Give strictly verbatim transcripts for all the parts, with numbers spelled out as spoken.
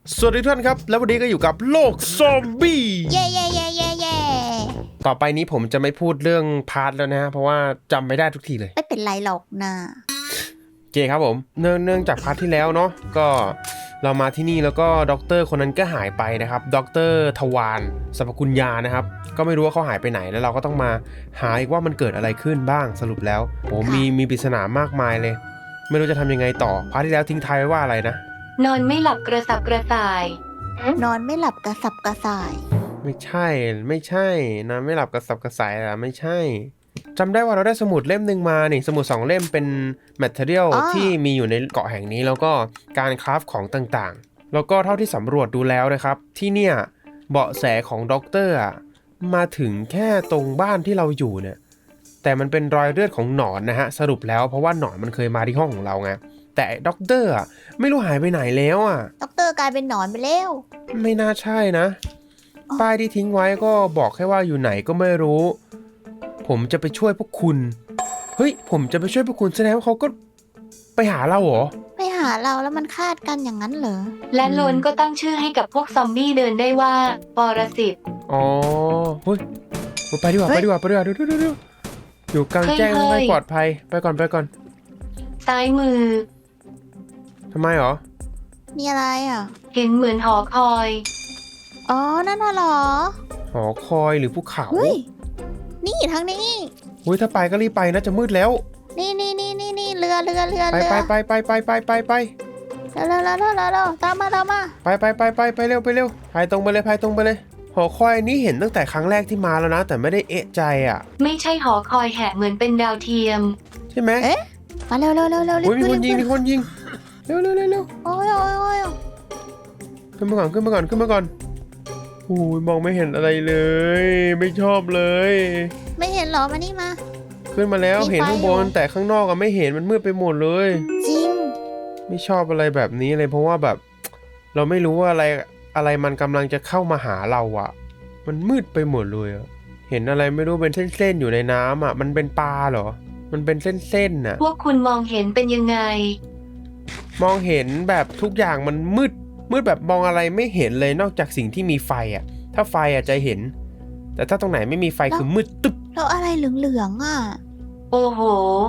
สวัสดีทุกท่านครับแล้ววันนี้ก็อยู่กับโลกซอมบี้เย่เย่เย่เย่เย่ต่อไปนี้ผมจะไม่พูดเรื่องพาร์ทแล้วนะเพราะว่าจำไม่ได้ทุกทีเลยไม่เป็นไรหรอกนะโอเคครับผมเนื่องเนื่องจากพาร์ทที่แล้วเนาะก็เรามาที่นี่แล้วก็ด็อกเตอร์คนนั้นก็หายไปนะครับด็อกเตอร์ทวารสรรพคุณยานะครับก็ไม่รู้ว่าเขาหายไปไหนแล้วเราก็ต้องมาหาอีกว่ามันเกิดอะไรขึ้นบ้างสรุปแล้วโอ้มีมีปริศนามากมายเลยไม่รู้จะทำยังไงต่อพาร์ทที่แล้วทิ้งท้ายไว้ว่าอะไรนะนอนไม่หลับกระสับกระส่ายนอนไม่หลับกระสับกระส่ายไม่ใช่ไม่ใช่นะไม่หลับกระสับกระส่ายอะไม่ใช่จำได้ว่าเราได้สมุดเล่มหนึ่งมานี่สมุดสองเล่มเป็นแมทเทอเรียลที่มีอยู่ในเกาะแห่งนี้แล้วก็การคราฟของต่างๆแล้วก็เท่าที่สำรวจดูแล้วนะครับที่เนี่ยเบาะแสของด็อกเตอร์มาถึงแค่ตรงบ้านที่เราอยู่เนี่ยแต่มันเป็นรอยเลือดของหนอนนะฮะสรุปแล้วเพราะว่าหนอนมันเคยมาที่ห้องของเราไงแต่ด็อกเตอร์อ่ะไม่รู้หายไปไหนแล้วอ่ะด็อกเตอร์กลายเป็นหนอนไปแล้วไม่น่าใช่นะป้ายที่ทิ้งไว้ก็บอกแค่ว่าอยู่ไหนก็ไม่รู้ผมจะไปช่วยพวกคุณเฮ้ยผมจะไปช่วยพวกคุณแสดงว่าเขาก็ไปหาเราเหรอไปหาเราแล้วมันคาดกันอย่างนั้นเหรอและโลนก็ตั้งชื่อให้กับพวกซอมบี้เดินได้ว่าปรสิตอ๋อเฮ้ยไปดีกว่าไปดีกว่าไปดีกว่าดูดูดูอยู่กลางแจ้งไม่ปลอดภัยไปก่อนไปก่อนซ้ายมือทำไมเหรอมีอะไรอ่ะเห็นเหมือนหอคอยอ๋อนั่นน่ะเหรอหอคอยหรือภูเขาเฮ้ยนี่ทางนี้เฮ้ยถ้าไปก็รีบไปนะจะมืดแล้วนี่นี่นี่นี่นี่เรือเรือเรือไปไปไปไปไปไปไปไปเร็วเร็วเร็วเร็วเร็วตามมาตามมาไปไปไปไปไปเร็วไปเร็วพายตรงไปเลยพายตรงไปเลยหอคอยนี้เห็นตั้งแต่ครั้งแรกที่มาแล้วนะแต่ไม่ได้เอะใจอ่ะไม่ใช่หอคอยแหะเหมือนเป็นดาวเทียมใช่ไหมเอ๊ะมาเร็วเร็วเร็วเร็วมีคนยิงมีคนยิงเร็วเร็วเร็วเร็วโอ้ยโอ้ยโอ้ยขึ้นมาก่อนขึ้นมาก่อนขึ้นมาก่อนโอ้ยมองไม่เห็นอะไรเลยไม่ชอบเลยไม่เห็นหรอมานี่มาขึ้นมาแล้วเห็นข้างบนแต่ข้างนอกอะไม่เห็นมันมืดไปหมดเลยจริงไม่ชอบอะไรแบบนี้เลยเพราะว่าแบบเราไม่รู้ว่าอะไรอะไรมันกำลังจะเข้ามาหาเราอะมันมืดไปหมดเลยอะเห็นอะไรไม่รู้เป็นเส้นๆอยู่ในน้ำอะมันเป็นปลาเหรอมันเป็นเส้นๆน่ะพวกคุณมองเห็นเป็นยังไงมองเห็นแบบทุกอย่างมันมืดมืดแบบมองอะไรไม่เห็นเลยนอกจากสิ่งที่มีไฟอ่ะถ้าไฟอ่ะจะเห็นแต่ถ้าตรงไหนไม่มีไฟคือมืดตึ๊บแล้วอะไรเหลืองๆอ่ะโอ้โห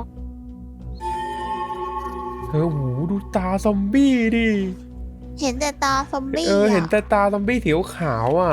เออโหดูตาซอมบี้ดิเห็นแต่ตาซอมบี้เออเห็นแต่ตาซอมบี้สีขาวอ่ะ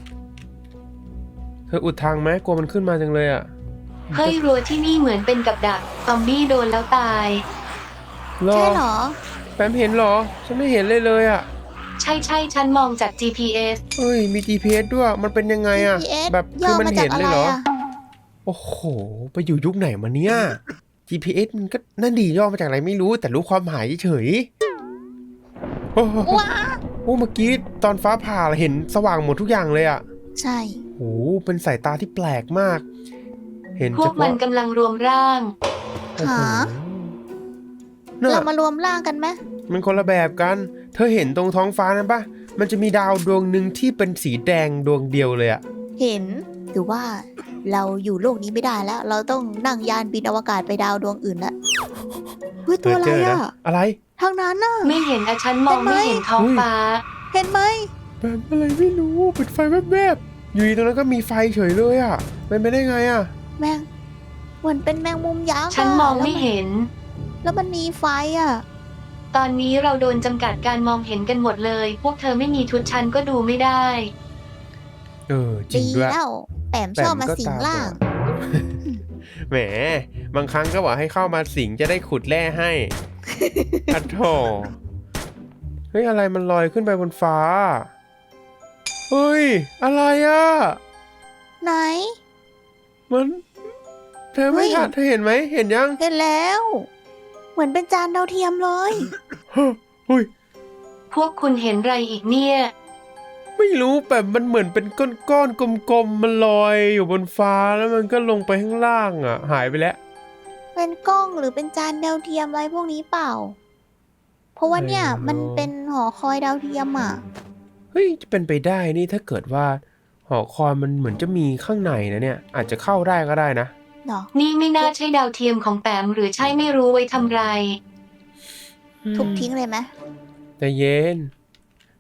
เธออุดทางไหมกลัวมันขึ้นมาจังเลยอ่ะเฮ้ยรั้วที่นี่เหมือนเป็นกับดักซอมบี้โดนแล้วตายใช่เหรอแปมเห็นเหรอฉันไม่เห็นเลยเลยอ่ะใช่ใช่ฉันมองจาก จี พี เอสเฮ้ยมี จี พี เอส ด้วยมันเป็นยังไงอ่ะแบบคือมันเห็นเลยเหรอโอ้โหไปอยู่ยุคไหนมาเนี่ย จี พี เอส มันก็นั่นดีย่อมาจากอะไรไม่รู้แต่รู้ความหมายเฉยโอ้โหโอ้เมื่อกี้ตอนฟ้าผ่าเห็นสว่างหมดทุกอย่างเลยอ่ะใช่โอ้เป็นสายตาที่แปลกมากเห็นพวกมันกำลังรวมร่างหาเรามารวมร่างกันไหมมันคนละแบบกันเธอเห็นตรงท้องฟ้านั้นปะมันจะมีดาวดวงหนึ่งที่เป็นสีแดงดวงเดียวเลยอะเห็นหรือว่าเราอยู่โลกนี้ไม่ได้แล้วเราต้องนั่งยานบินอวกาศไปดาวดวงอื่นละเฮ้ยตัวอะไรอะอะไรทางนั้นน่ะไม่เห็นอะฉันมองไม่เห็นท้องฟ้าเห็นไหมแบบอะไรไม่รู้เป็นไฟแวบๆอยู่ตรงนั้นก็มีไฟเฉยเลยอะเป็นไปได้ไงอะแมงเหมือนเป็นแมงมุมยักษ์ฉันมองไม่เห็นแล้วมันมีไฟอะตอนนี้เราโดนจำกัดการมองเห็นกันหมดเลยพวกเธอไม่มีชุดฉันก็ดูไม่ได้เออจริงด้วยแล้วแปมชอบมาสิงล่างแหมบางครั้งก็บอกให้เข้ามาสิงจะได้ขุดแร่ให้อัดโถเฮ้ยอะไรมันลอยขึ้นไปบนฟ้าเฮ้ยอะไรอะไหนมันเธอไม่ทันเธอเห็นไหมเห็นยังเห็นแล้วเหมือนเป็นจานดาวเทียมเลยเฮ้ยพวกคุณเห็นอะไรอีกเนี่ยไม่รู้แบบมันเหมือนเป็นก้อนๆกลมๆมันลอยอยู่บนฟ้าแล้วมันก็ลงไปข้างล่างอ่ะหายไปแล้วเป็นกล้องหรือเป็นจานดาวเทียมอะไรพวกนี้เปล่าเพราะว่าเนี่ยมันเป็นหอคอยดาวเทียมอ่ะเฮ้ยจะเป็นไปได้นี่ถ้าเกิดว่าหอคอยมันเหมือนจะมีข้างในนะเนี่ยอาจจะเข้าได้ก็ได้นะนี่ไม่น่าใช่ดาวเทียมของแปมหรือใช่ไม่รู้ไว้ทำไรทุบทิ้งเลยไหมใจเย็น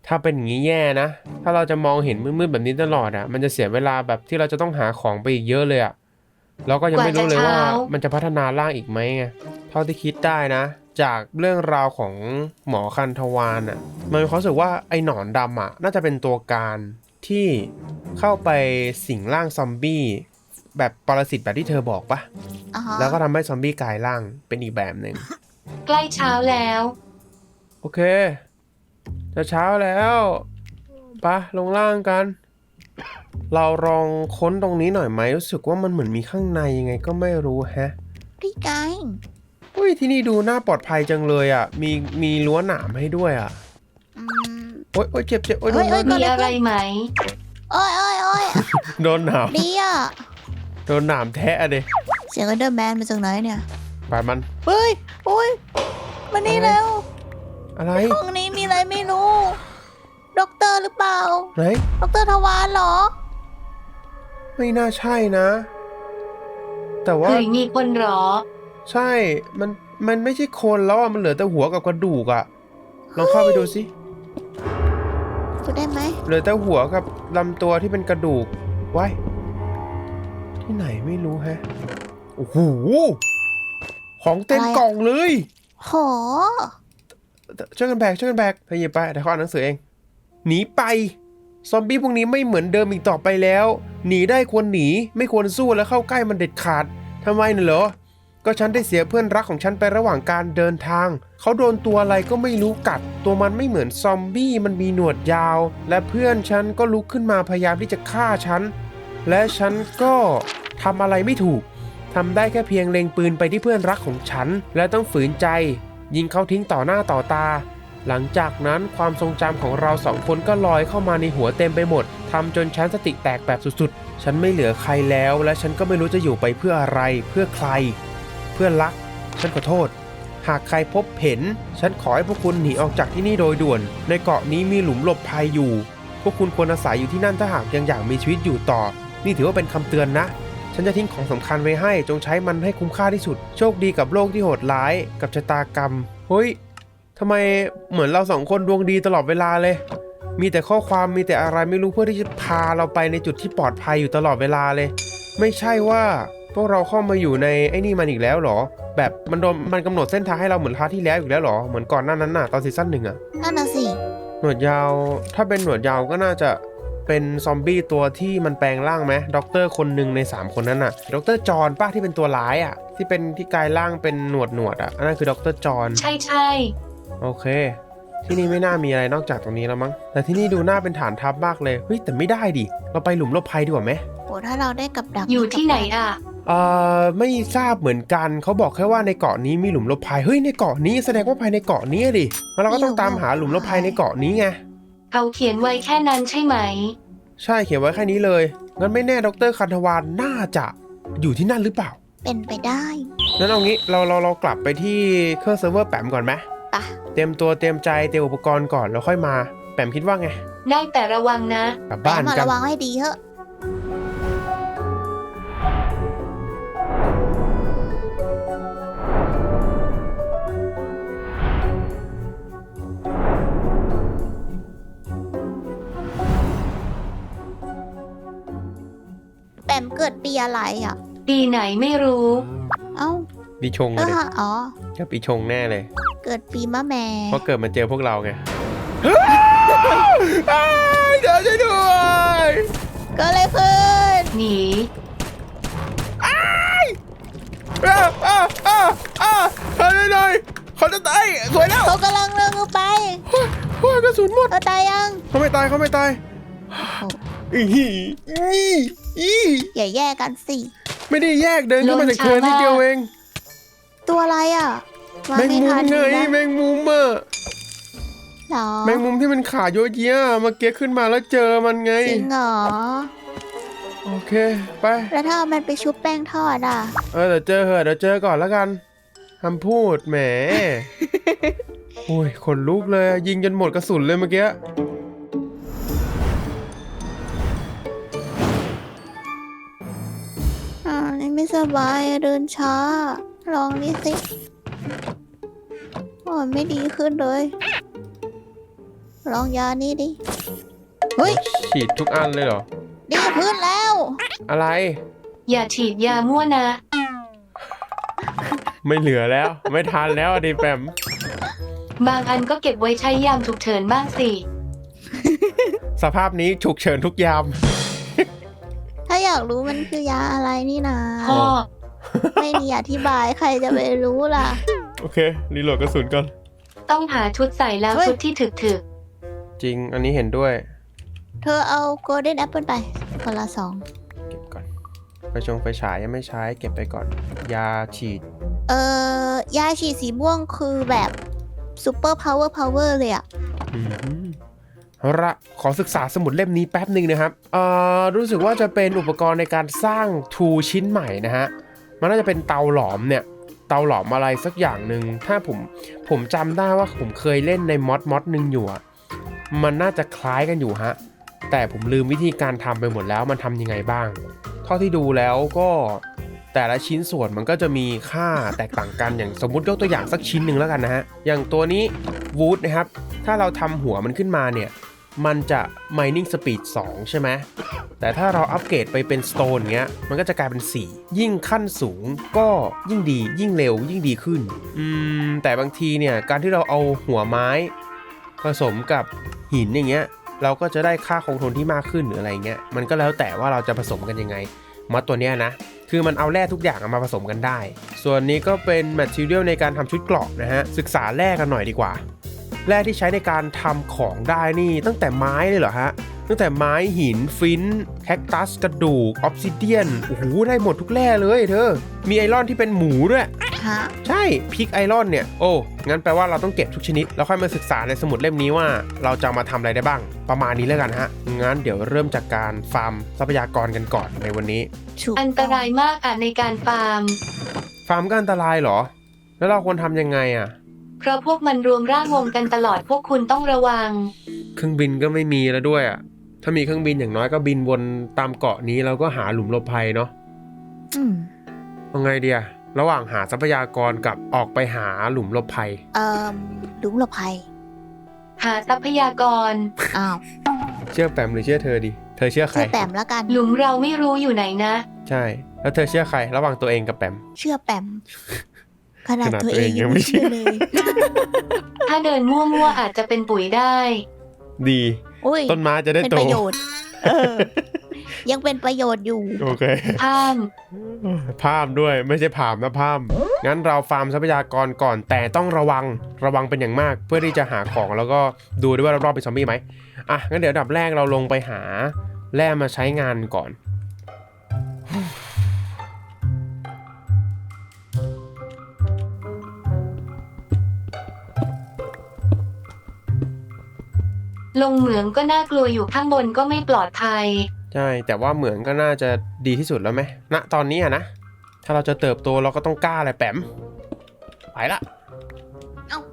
ถ้าเป็นอย่างนี้แย่นะถ้าเราจะมองเห็นมืดๆแบบนี้ตลอดอ่ะมันจะเสียเวลาแบบที่เราจะต้องหาของไปอีกเยอะเลยอ่ะแล้วก็ยังไม่รู้เลยว่ามันจะพัฒนาร่างอีกไหมไงเท่าที่คิดได้นะจากเรื่องราวของหมอคันธวานอ่ะมันมีความรู้สึกว่าไอ้หนอนดำอ่ะน่าจะเป็นตัวการที่เข้าไปสิงร่างซอมบี้แบบปรสิตแบบที่เธอบอกปะอ่าฮะแล้วก็ทำให้ซอมบี้กลายร่างเป็นอีกแบบหนึ่งใกล้เช้าแล้วโอเคจะเช้าแล้วปะลงล่างกัน เราลองค้นตรงนี้หน่อยไหมรู้สึกว่ามันเหมือนมีข้างในยังไงก็ไม่รู้แฮะพี่ไงอุ้ยที่นี่ดูน่าปลอดภัยจังเลยอ่ะมีมีรั้วหนามให้ด้วยอ่ะอืมโอ๊ยโอ๊ยเจ็บเจ็บโอ๊ยโดเฮ้นยเฮ้ยมีอะไรไหมโอ้ยโอ้ยโอ้ยโดนหนามดีอ่ะโดนหนามแทะอะเดเสียง Enderman มาจากไหนเนี่ยไปมันเฮ้ยโอ้ยมานี่แล้วอะไรห้องนี้มีอะไรไม่รู้ด็อกเตอร์หรือเปล่าไหนด็อกเตอร์ทวารเหรอไม่น่าใช่นะ แต่ว่าเฮ้ยมีคนเหรอใช่ มัน มันไม่ใช่คนแล้วอ่ะ มันเหลือแต่หัวกับกระดูกอ่ะ ลองเข้าไปดูสิพูดได้ไหมเหลือแต่หัวกับลำตัวที่เป็นกระดูกไว้ที่ไหนไม่รู้แฮะ โอ้โห ของเต็มกล่องเลยโหช่วยกันแบกช่วยกันแบกเธอหยิบไปเดี๋ยวเขาอ่านหนังสือเอง หนีไป ซอมบี้พวกนี้ไม่เหมือนเดิมอีกต่อไปแล้ว หนีได้ควรหนี ไม่ควรสู้และเข้าใกล้มันเด็ดขาดทำไมน่ะเหรอ ก็ฉันได้เสียเพื่อนรักของฉันไประหว่างการเดินทาง เขาโดนตัวอะไรก็ไม่รู้กัด ตัวมันไม่เหมือนซอมบี้มันมีหนวดยาว และเพื่อนฉันก็ลุกขึ้นมาพยายามที่จะฆ่าฉัน และฉันก็ทำอะไรไม่ถูกทำได้แค่เพียงเล็งปืนไปที่เพื่อนรักของฉัน และต้องฝืนใจ ยิงเขาทิ้งต่อหน้าต่อตา หลังจากนั้นความทรงจำของเราสองคนก็ลอยเข้ามาในหัวเต็มไปหมดทำจนฉันสติแตกแบบสุดๆฉันไม่เหลือใครแล้วและฉันก็ไม่รู้จะอยู่ไปเพื่ออะไรเพื่อใคร เพื่อนรัก ฉันขอโทษ หากใครพบเห็น ฉันขอให้พวกคุณหนีออกจากที่นี่โดยด่วน ในเกาะนี้มีหลุมหลบภัยอยู่ พวกคุณควรอาศัยอยู่ที่นั่นถ้าหากยังอยากมีชีวิตอยู่ต่อ นี่ถือว่าเป็นคำเตือนนะ ฉันจะทิ้งของสำคัญไว้ให้จงใช้มันให้คุ้มค่าที่สุด โชคดีกับโลกที่โหดร้ายกับชะตากรรม เฮ้ยทำไมเหมือนเราสองคนดวงดีตลอดเวลาเลย มีแต่ข้อความมีแต่อะไรไม่รู้เพื่อที่จะพาเราไปในจุดที่ปลอดภัยอยู่ตลอดเวลาเลย ไม่ใช่ว่าพวกเราเข้ามาอยู่ในไอ้นี่มันอีกแล้วเหรอ แบบมันโดนมันกำหนดเส้นทางให้เราเหมือนพาร์ทที่แล้วอีกแล้วเหรอ เหมือนก่อนหน้านั้นน่ะตอนซีซั่นหนึ่งอะนั่นน่ะสิหนวดยาว ถ้าเป็นหนวดยาวก็น่าจะเป็นซอมบี้ตัวที่มันแปลงร่างไหมด็อกเตอร์คนหนึ่งในสามคนนั้นน่ะด็อกเตอร์จอห์นป้าที่เป็นตัวร้ายอ่ะที่เป็นที่กลายร่างเป็นหนวดหนวดอ่ะอันนั้นคือด็อกเตอร์จอห์นใช่ใช่โอเค ที่นี่ไม่น่ามีอะไรนอกจากตรงนี้แล้วมั้งแต่ที่นี่ดูน่าเป็นฐานทัพมากเลยเฮ้ยแต่ไม่ได้ดิเราไปหลุมหลบภัยดีกว่าไหมโหถ้าเราได้กับดักอยู่ที่ไหนอ่ะเอ่อไม่ทราบเหมือนกันเขาบอกแค่ว่าในเกาะนี้มีหลุมหลบภัยเฮ้ยในเกาะนี้แสดงว่าภายในเกาะนี้ดิแล้วเราก็ต้องตามหาหลุมหลบภัยในเกาะนี้ไงเขาเขียนไว้แค่นั้นใช่ไหมใช่เขียนไว้แค่นี้เลย งั้นไม่แน่ดรคันธวานน่าจะอยู่ที่นั่นหรือเปล่าเป็นไปได้งั้นเอางี้เราเราเรากลับไปที่เครื่องเซิร์ฟเวอร์แปมก่อนไหมปะเตรียมตัวเตรียมใจเตรียมอุปกรณ์ก่อนแล้วค่อยมา แปมคิดว่าไงได้แต่ระวังนะกลับแต่บ้านมากันระวังให้ดีเถอะ แปมเกิดปีอะไรอ่ะปีไหนไม่รู้เอ้าปีชงแล้เลวย ฮะอ๋อก็ปีชงแน่เลยเกิดปีมะแม่เพราะเกิดมาเจอพวกเราไงเดี๋ยวช่วยด้วยก็เลยขึ้นหนีอ้าอ้าอ้าอ้าขอหน่อยเขาจะตายสวยแล้วเขากำลังเดินไปโอ้ยกระสุนหมดเขาตายยังเขาไม่ตายเขาไม่ตายโอ้โหอีอีอีอย่าแย่กันสิไม่ได้แยกเดินขึ้นมาจากเธอนิดเดียวเองตัวอะไรอ่ะมาแมงไม่มุทัมนไงนะแมงมุมอะหรอแมงมุมที่มันขาโยเยะเมื่อกี้ขึ้นมาแล้วเจอมันไงจริงเหรอโอเคไปแล้วถ้าเอามันไปชุบแป้งทอดอ่ะเออเดี๋ยวเจอเหอะเดี๋ยวเจอก่อนแล้วกันคำพูดแหม โอ้ยขนลุกเลยยิงจนหมดกระสุนเลยเมื่อกี้อ่านี่ไม่สบายอะเดินช้า ลองนี่สิโอ้ยไม่ดีขึ้นเลยลองยานี้ดิ เฮ้ยฉีดทุกอันเลยเหรอดีพื้นแล้วอะไรอย่าฉีดยามั่วนะไม่เหลือแล้ว ไม่ทันแล้วอะดิแปมบางอันก็เก็บไว้ใช้ยามฉุกเฉินบ้างสิสภาพนี้ฉุกเฉินทุกยามถ้าอยากรู้มันคือยาอะไรนี่นะพ่อไม่มีอธิบายใครจะไปรู้ล่ะโอเค รีโหลดกระสุนก่อนต้องหาชุดใส่แล้วเฮ้ยชุดที่ถึกถึกจริง อันนี้เห็นด้วยเธอเอาโกลเด้นแอปเปิลไป คนละสองเก็บก่อน ไฟชงไฟฉายยังไม่ใช้ เก็บไปก่อน ยาฉีดเอ่อยาฉีดสีม่วงคือแบบซูเปอร์พาวเวอร์พาวเวอร์เลยอะอืมเอาละขอศึกษาสมุดเล่มนี้แป๊บหนึ่งนะครับเอ่อรู้สึกว่าจะเป็นอุปกรณ์ในการสร้างทูชิ้นใหม่นะฮะ มันน่าจะเป็นเตาหลอมเนี่ย เตาหลอมอะไรสักอย่างหนึ่ง ถ้าผมผมจำได้ว่าผมเคยเล่นในมอดมอดหนึ่งอยู่อะมันน่าจะคล้ายกันอยู่ฮะ แต่ผมลืมวิธีการทำไปหมดแล้วมันทำยังไงบ้าง เท่าที่ดูแล้วก็แต่ละชิ้นส่วนมันก็จะมีค่าแตกต่างกัน อย่างสมมุติยกตัวอย่างสักชิ้นหนึ่งแล้วกันนะฮะ อย่างตัวนี้วูดนะครับ ถ้าเราทำหัวมันขึ้นมาเนี่ย มันจะ mining speed สอง ใช่ไหม แต่ถ้าเราอัปเกรดไปเป็น stone เงี้ย มันก็จะกลายเป็น สี่ ยิ่งขั้นสูงก็ยิ่งดี ยิ่งเร็ว ยิ่งดีขึ้น อืม แต่บางทีเนี่ย การที่เราเอาหัวไม้ผสมกับหินอย่างเงี้ย เราก็จะได้ค่าคงทนที่มากขึ้นหรืออะไรเงี้ย มันก็แล้วแต่ว่าเราจะผสมกันยังไงมอดตัวเนี้ยนะ คือมันเอาแร่ทุกอย่างมาผสมกันได้ ส่วนนี้ก็เป็น material ในการทำชุดเกราะนะฮะ ศึกษาแร่กันหน่อยดีกว่า แร่ที่ใช้ในการทำของได้นี่ตั้งแต่ไม้เลยเหรอฮะ ตั้งแต่ไม้หินฟินแคคตัสกระดูกออฟซิเดียนโอ้โหได้หมดทุกแร่เลยเธอ มีไอรอนที่เป็นหมูด้วยฮะใช่พิกไอรอนเนี่ย โอ้งั้นแปลว่าเราต้องเก็บทุกชนิด แล้วค่อยมาศึกษาในสมุดเล่มนี้ว่าเราจะมาทำอะไรได้บ้าง ประมาณนี้แล้วกันฮะ งั้นเดี๋ยวเริ่มจากการฟาร์มทรัพยากรกันก่อนในวันนี้ถูกอันตรายมากอ่ะในการฟาร์มฟาร์มก็อันตรายเหรอ แล้วเราควรทำยังไงอ่ะเพราะพวกมันรวมร่างวงกันตลอดพวกคุณต้องระวังเครื่องบินก็ไม่มีแล้วด้วยอ่ะ ถ้ามีเครื่องบินอย่างน้อยก็บินวนตามเกาะนี้แล้วก็หาหลุมหลบภัยเนาะอืมเอาไงเดียระหว่างหาทรัพยากรกับออกไปหาหลุมหลบภัยเอ่อหลุมหลบภัยหาทรัพยากรอ้าวเชื่อแปมหรือเชื่อเธอดี เธอเชื่อใครเชื่อแปมแล้วกันหลุมเราไม่รู้อยู่ไหนนะใช่ แล้วเธอเชื่อใคร ระหว่างตัวเองกับแปมเชื่อแปม ขนาดขนาดตัวตัวเอเอง งยัยังงไม่ไม่เชื่อเชื่เลอยถ้าเดินมั่วๆอาจจะเป็นปุ๋ยได้ดีอุ้ยต้นไม้จะได้เป็นโตประโยชน์ เออ ยังเป็นประโยชน์อยู่โอเคห้ามพามด้วยไม่ใช่ผามนะพามงั้นเราฟาร์มทรัพยากรก่อนแต่ต้องระวังระวังเป็นอย่างมาก เพื่อที่จะหาของแล้วก็ดูด้วยว่ารอบๆเป็นซอมบี้ไหมอ่ะงั้นเดี๋ยวอันดับแรกเราลงไปหาแร่มาใช้งานก่อนลงเหมืองก็น่ากลัวอยู่ข้างบนก็ไม่ปลอดภัยใช่แต่ว่าเหมืองก็น่าจะดีที่สุดแล้วไหมณตอนนี้อะนะถ้าเราจะเติบโตเราก็ต้องกล้าแหละแปมไปละเอ้า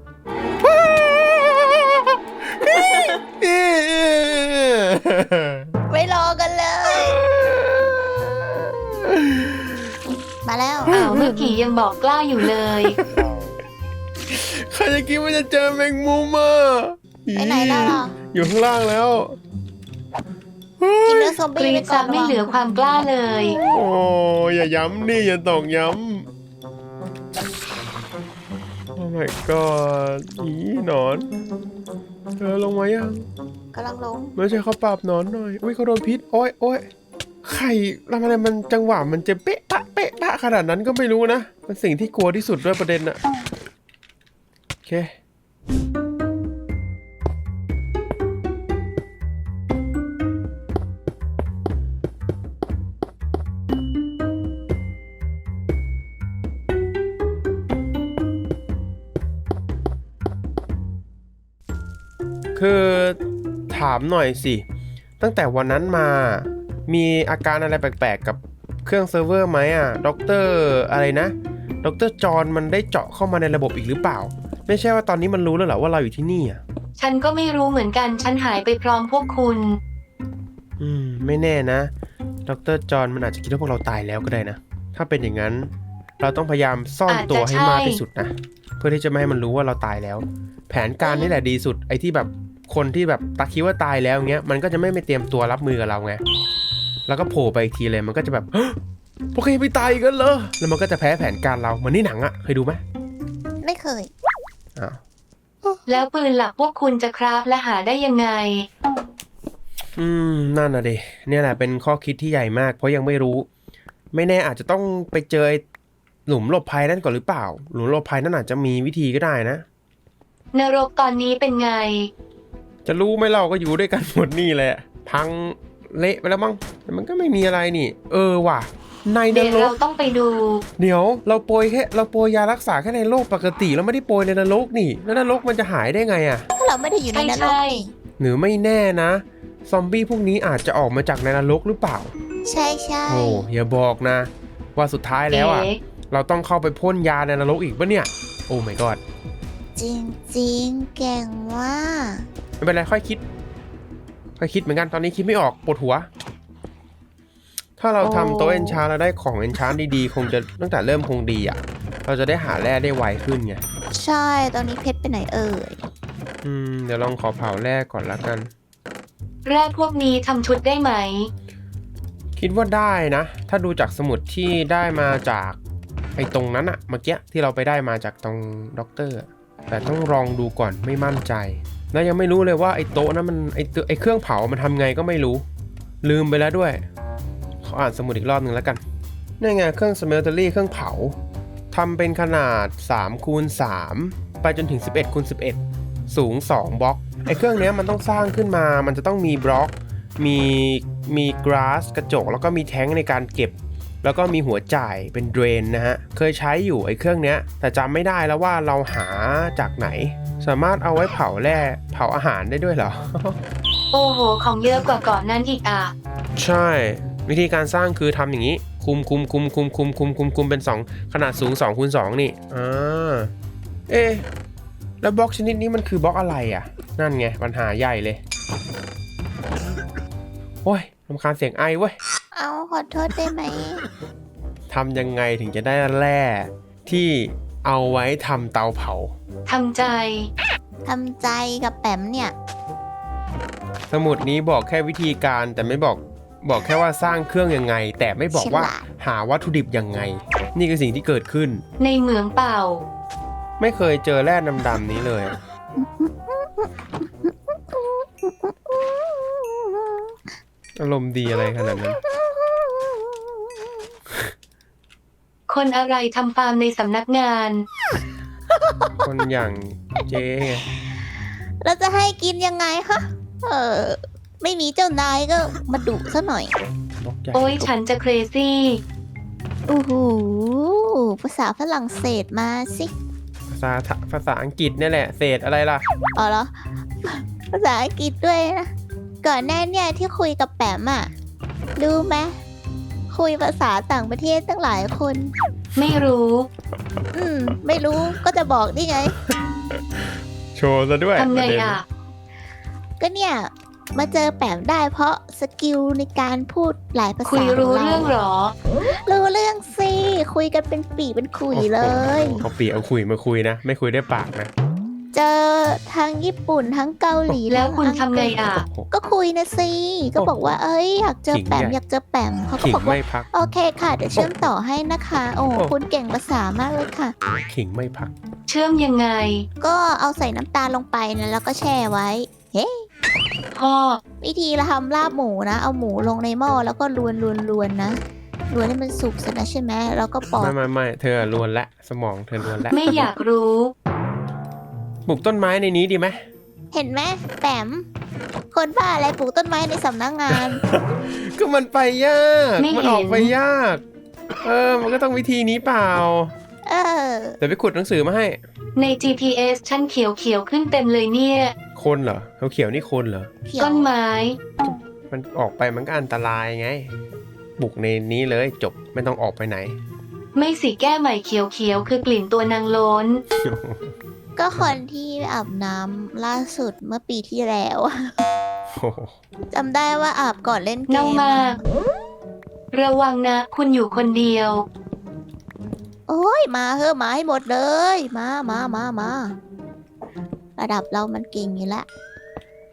ไม่รอกันเลย มาแล้วอ้าวเมื่อกี้ยังบอกกล้าอยู่เลยใครจะคิดว่าจะเจอแมงมุมอ่ะไปไหนแล้วล่ะอยู่ข้างล่างแล้วกินเนื้อซอมกบี้รีไปดก่ซัอบ นไม่เหลือความกล้าเลยโอ้อย่าย้ำนี่อย่าตอกย้ำโอ้ my god อีหนอนเธอลงมายังกำลังลงไม่ใช่เขาปราบหนอนหน่อยอุ้ยเขาโดนพิษโอ้ยโอ้ยไข่ทำอะไรมันจังหวะมันจะเป๊ะปะเป๊ะปะขนาดนั้นก็ไม่รู้นะมันสิ่งที่กลัวที่สุดด้วยประเด็นอะโอเคคือถามหน่อยสิตั้งแต่วันนั้นมามีอาการอะไรแปลกๆกับเครื่องเซิร์ฟเวอร์ไหมอ่ะด็อกเตอร์อะไรนะด็อกเตอร์จอห์นมันได้เจาะเข้ามาในระบบอีกหรือเปล่าไม่ใช่ว่าตอนนี้มันรู้แล้วเหรอว่าเราอยู่ที่นี่อ่ะฉันก็ไม่รู้เหมือนกันฉันหายไปพร้อมพวกคุณอืมไม่แน่นะด็อกเตอร์จอห์นมันอาจจะคิดว่าพวกเราตายแล้วก็ได้นะถ้าเป็นอย่างนั้นเราต้องพยายามซ่อนตัวให้มากที่สุดนะเพื่อที่จะไม่ให้มันรู้ว่าเราตายแล้ว แผนการนี่แหละดีสุดไอ้ที่แบบคนที่แบบตาคิดว่าตายแล้วเงี้ยมันก็จะไม่ไปเตรียมตัวรับมือกับเราไงแล้วก็โผล่ไปอีกทีเลยมันก็จะแบบพวกแกไม่ตายกันเหรอแล้วมันก็จะแพ้แผนการเราเหมือนในหนังอะเคยดูไหมไม่เคยอ้าวแล้วปืนหลักพวกคุณจะคราฟและหาได้ยังไงอืมนั่นน่ะดิเนี่ยแหละเป็นข้อคิดที่ใหญ่มากเพราะยังไม่รู้ ไม่แน่อาจจะต้องไปเจอหลุมหลบภัยนั่นก่อนหรือเปล่าหลุมหลบภัยนั่นอาจจะมีวิธีก็ได้นะนรกตอนนี้เป็นไงจะรู้ไหมเราก็อยู่ด้วยกันหมดนี่แหละพังเละไปแล้วมั้งแต่มันก็ไม่มีอะไรนี่ เออว่ะในนเดี๋ยวรเรากต้องไปดูเดี๋ยวเราโปรยแค่เราโปรยยารักษาแค่ในโลกปกติแล้วไม่ได้โปรยในนรกนี่แล้วนรกมันจะหายได้ไงอะถ้าเราไม่ได้อยู่ในนรกใช่นี่หรือไม่แน่นะซอมบี้พวกนี้อาจจะออกมาจากในนรกหรือเปล่าใช่ใช่โอ้อย่าบอกนะ ว่าสุดท้ายแล้วอ่ะเอ๊ะเราต้องเข้าไปพ่นยาในนรกอีกปะเนี่ย โอ้ my god จริงจริงๆเก่งว่ากไม่เป็นไรค่อยคิด ค่อยคิดเหมือนกันตอนนี้คิดไม่ออกปวดหัว ถ้าเราทำโต๊ะเอนชาแล้วได้ของเอนชานดีๆ คงจะตั้งแต่เริ่มคงดีอ่ะ เราจะได้หาแร่ได้ไวขึ้นไงใช่ตอนนี้เพชรไปไหนเอ่ยอืมเดี๋ยวลองขอเผาแร่ก่อนละกันแร่พวกนี้ทำชุดได้ไหมคิดว่าได้นะ ถ้าดูจากสมุดที่ได้มาจากไอ้ตรงนั้นอะเมื่อกี้ที่เราไปได้มาจากตรงด็อกเตอร์อะแต่ต้องลองดูก่อนไม่มั่นใจ แล้วยังไม่รู้เลยว่าไอ้โต๊ะนั้นมันไอ้ตัวไอ้เครื่องเผามันทำไงก็ไม่รู้ ลืมไปแล้วด้วย ขออ่านสมุดอีกรอบหนึ่งแล้วกันนี่ไงเครื่องสเมลเตอรี่เครื่องเผาทำเป็นขนาดสามคูณสามไปจนถึงสิบเอ็ดคูณสิบเอ็ดสูงสองบล็อกไอ้เครื่องเนี้ยมันต้องสร้างขึ้นมามันจะต้องมีบล็อกมีมีกราสกระจกแล้วก็มีแท้งในการเก็บ แล้วก็มีหัวจ่ายเป็นเดรนนะฮะเคยใช้อยู่ไอ้เครื่องเนี้ยแต่จำไม่ได้แล้วว่าเราหาจากไหน สามารถเอาไว้เผาแร่เผาอาหารได้ด้วยเหรอโอ้โห ของเยอะกว่าก่อนนั้นอีกอ่ะใช่ วิธีการสร้างคือทำอย่างนี้ คุมคุมคุมคุมคุมคุมคุมคุมเป็นสองขนาดสูงสองคูณสองนี่อ่าเอ๊ะแล้วบล็อกชนิดนี้มันคือบล็อกอะไรอ่ะ นั่นไงปัญหาใหญ่เลยโอ้ยรำคาญเสียงไอเว้ยเอาขอโทษได้ไหมทำยังไงถึงจะได้แร่ที่เอาไว้ทำเตาเผาทำใจทำใจกับแปมเนี่ยสมุดนี้บอกแค่วิธีการแต่ไม่บอกบอกแค่ว่าสร้างเครื่องยังไง แต่ไม่บอกว่าฉลาดหาวัตถุดิบยังไง นี่คือสิ่งที่เกิดขึ้นในเหมืองเปล่าไม่เคยเจอแร่ดำๆนี้เลย อารมณ์ดีอะไรขนาดนั้นคนอะไรทำฟาร์มในสำนักงานคนอย่างเจ๊ไงเราจะให้กินยังไงคะ เออ ไม่มีเจ้านายก็มาดุซะหน่อยบล็อกใหญ่โอ้ยฉันจะเครซี่โอ้โห ภาษาฝรั่งเศสมาสิภาษาภาษาอังกฤษเนี่ยแหละเศษอะไรล่ะอ๋อเหรอ ภาษาอังกฤษด้วยนะ ก่อนหน้าเนี่ยที่คุยกับแปมอะรู้ไหมคุยภาษาต่างประเทศตั้งหลายคนไม่รู้อืม ไม่รู้ก็จะบอกนี่ไงโชว์ซะด้วยทำไงประเด็นอ่ะก็เนี่ย มาเจอแปมได้เพราะสกิลในการพูดหลายภาษาคุยรู้ขเรื่องเหรอรู้เรื่องสิ คุยกันเป็นปีเป็นขุยเลยโอ้โหเอาปีเอาคุยมาคุยนะ ไม่คุยได้ปากนะเจอทั้งญี่ปุ่นทั้งเกาหลีแล้วคุณทั้ทำไงอ่ะโอ้โหก็คุยนะสิ ก็บอกว่า เอ้ยอยากเจอแปมขิงใหญ่อยากเจอแปมเขาก็ขิงบอกว่าไม่พักโอเคค่ะ เดี๋ยวเชื่อมต่อให้นะคะ โอ้โอ้คุณเก่งภาษามากเลยค่ะขิงไม่พักเชื่อมยังไงก็เอาใส่น้ำตาลลงไปนะแล้วก็แช่ไว้ เฮ้พ่อวิธีเราทำลาบหมูนะ เอาหมูลงในหม้อแล้วก็ลวนลวนลวนนะลวนให้มันสุกเสร็จแล้วใช่ไหมแล้วก็ปอกไม่ไม่ไม่เธอลวนละสมองเธอลวนละไม่อยากรู้ปลูกต้นไม้ในนี้ดีไหมเห็นไหมแปมคนบ้าอะไรปลูกต้นไม้ในสำนักงานก็มันไปยากไม่เห็นมันออกไปยาก เออ มันก็ต้องวิธีนี้เปล่าเออเดี๋ยวไปขุดหนังสือมาให้ใน จี พี เอส ฉันเขียวเขียวๆขึ้นเต็มเลยเนี่ยคนเหรอเขาเขียวๆนี่คนเหรอเขียวต้นไม้มันออกไปมันก็อันตรายไง บุกในนี้เลยจบไม่ต้องออกไปไหนไม่สิแก้ใหม่เขียวเขียวๆคือกลิ่นตัวนางโล้นก็คนที่อาบน้ำล่าสุดเมื่อปีที่แล้วโอ้โหจำได้ว่าอาบก่อนเล่นเกเน่าม มาก ระวังนะ คุณอยู่คนเดียวโอ้ยมาเถอะมาให้หมดเลย มามามามาระดับเรามันเก่งอยู่แล้ว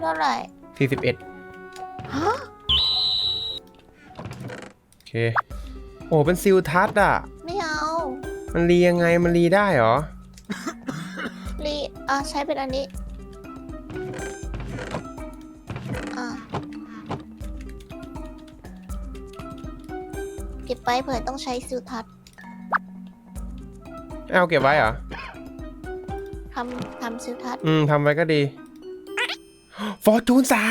เท่าไหร่สี่สิบเอ็ดฮะโอเคโอ้เป็นซิลทัศน์อ่ะไม่เอามันรียังไงมันรีได้เหรอรีอ่ะใช้เป็นอันนี้อ่ะเก็บไปเผื่อต้องใช้ซิลทัศน์เอาเก็บไว้เหรอทำทำซิลทัศน์อืมทำไว้ก็ดี ฟอร์จูนสาม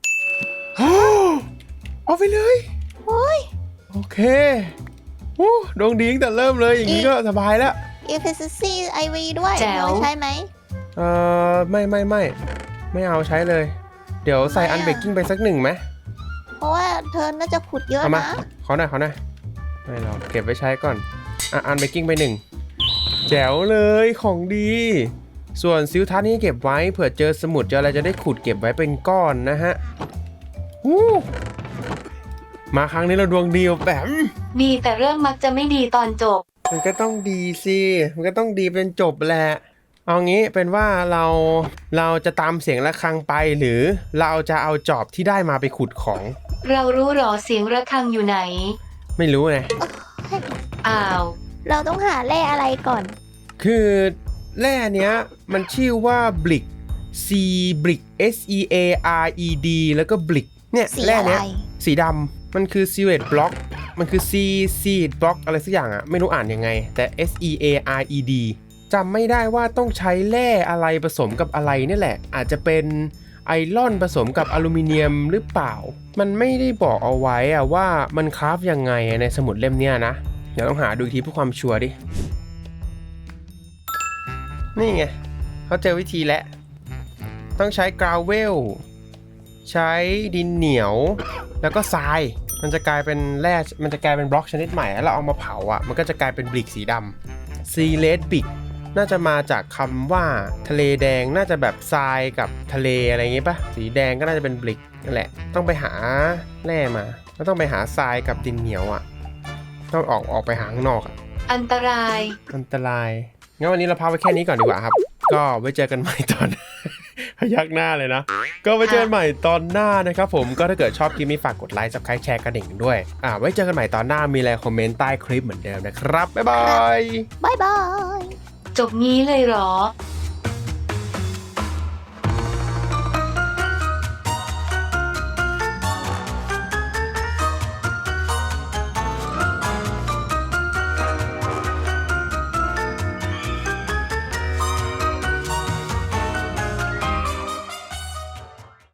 เอาไปเลยโอ้ยโอเคโอ้ดวงดีตั้งแต่เริ่มเลยอย่างนี้ก็สบายแล้ว efficiency ไอ วี ด้วยแจ๋วเอาใช้ไหมเอ่อไม่ไม่ไม่ไม่เอาใช้เลย เดี๋ยวใส่ทำไมอะอันเบกกิ้งไปสักหนึ่งไหมเพราะว่าเธอน่าจะขุดเยอะเอามานะขอหน่อยขอหน่อยไม่หรอกเก็บไว้ใช้ก่อนอ่ะอันเบกกิ้งไปหนึ่งแจ๋วเลยของดี ส่วนซิลทัศน์นี่เก็บไว้เผื่อเจอสมุดเจออะไรจะได้ขุดเก็บไว้เป็นก้อนนะฮะอู้มาครั้งนี้เราดวงดีแบบดีแต่เรื่องมักจะไม่ดีตอนจบมันก็ต้องดีสิมันก็ต้องดีเป็นจบแหละเอางี้เป็นว่าเราเราจะตามเสียงะระฆังไปหรือเราจะเอาจอบที่ได้มาไปขุดของเรารู้หรอเสียงระฆังอยู่ไหนไม่รู้ไงอ้าวเราต้องหาแร่อะไรก่อนคือแร่เนี้ยมันชื่อว่าบลิก C บลิก S E A R E D แล้วก็บลิกเนี่ยสีแร่อะไรเนี้ยสีดำมันคือ Seed Block มันคือ C Seed Block อะไรสักอย่างอะไม่รู้อ่านยังไงแต่ S E A R E D จำไม่ได้ว่าต้องใช้แร่อะไรผสมกับอะไรนี่แหละ อาจจะเป็นไอรอนผสมกับอลูมิเนียมหรือเปล่า มันไม่ได้บอกเอาไว้อะว่ามันคราฟยังไงในสมุดเล่มเนี้ยนะเดี๋ยวต้องหาดูอีกทีเพื่อความชัวร์ดิ นี่ไงเขาเจอวิธีแล้วต้องใช้กราวเวลใช้ดินเหนียวแล้วก็ทรายมันจะกลายเป็นแร่มันจะกลายเป็นบล็อกชนิดใหม่แล้วเราเอามาเผาอ่ะมันก็จะกลายเป็นบลิกสีดำซีเลดบิกน่าจะมาจากคำว่าทะเลแดงน่าจะแบบทรายกับทะเลอะไรอย่างงี้ปะสีแดงก็น่าจะเป็นบลิกนั่นแหละต้องไปหาแร่มาแล้วต้องไปหาทรายกับดินเหนียวอ่ะต้องออกออกไปหาข้างนอกอ่ะอันตรายอันตรายงั้นวันนี้เราพาไปแค่นี้ก่อนดีกว่าครับ ก็ไว้เจอกันใหม่ตอน พยักหน้าเลยนะ ก็ไว้เจอกันใหม่ตอนหน้านะครับผม ก็ถ้าเกิดชอบคลิปนี้ฝากกดไลค์ ซับสไครบ์ แชร์กระดิ่งด้วย อ่า ไว้เจอกันใหม่ตอนหน้า มีอะไรคอมเมนต์ใต้คลิปเหมือนเดิมนะครับ บ๊ายบายบายบายจบงี้เลยเหรอ